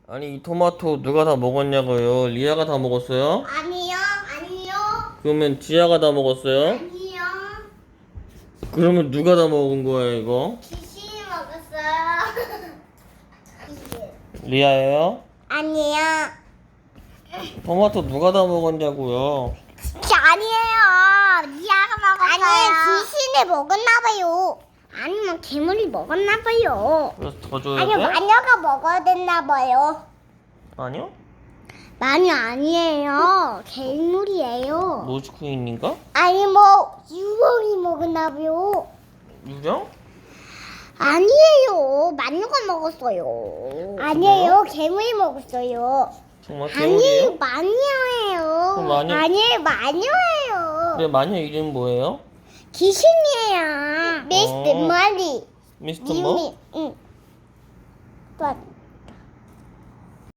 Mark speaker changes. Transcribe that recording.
Speaker 1: 아니 이 토마토 누가 다 먹었냐고요? 리아가 다 먹었어요?
Speaker 2: 아니요, 아니요,
Speaker 1: 그러면 지아가 다 먹었어요?
Speaker 2: 아니요.
Speaker 1: 그러면 누가 다 먹은 거야 이거?
Speaker 2: 귀신이 먹었어요.
Speaker 1: 리아예요?
Speaker 2: 아니요.
Speaker 1: 토마토 누가 다 먹었냐고요?
Speaker 2: 진짜 아니에요. 리아가 먹었어요. 아니, 귀신이 먹었나봐요. 아니면 괴물이 먹었나봐요.
Speaker 1: 그래서 더 줘야
Speaker 2: 아니,
Speaker 1: 돼?
Speaker 2: 마녀가 먹어야 됐나봐요.
Speaker 1: 아니요?
Speaker 2: 마녀 아니에요. 괴물이에요.
Speaker 1: 로즈퀸인가?
Speaker 2: 아니, 뭐 유령이 먹었나봐요.
Speaker 1: 유령?
Speaker 2: 아니에요. 마녀가 먹었어요. 아니에요. 괴물이 먹었어요.
Speaker 1: 정말
Speaker 2: 아니에요.
Speaker 1: 괴물이에요?
Speaker 2: 마녀예요.
Speaker 1: 그럼 마녀-
Speaker 2: 아니에요. 마녀예요.
Speaker 1: 그래 마녀 이름 뭐예요?
Speaker 2: 귀신이에요. 미스터 머리.
Speaker 1: 미스터 뭐?
Speaker 2: 응. 또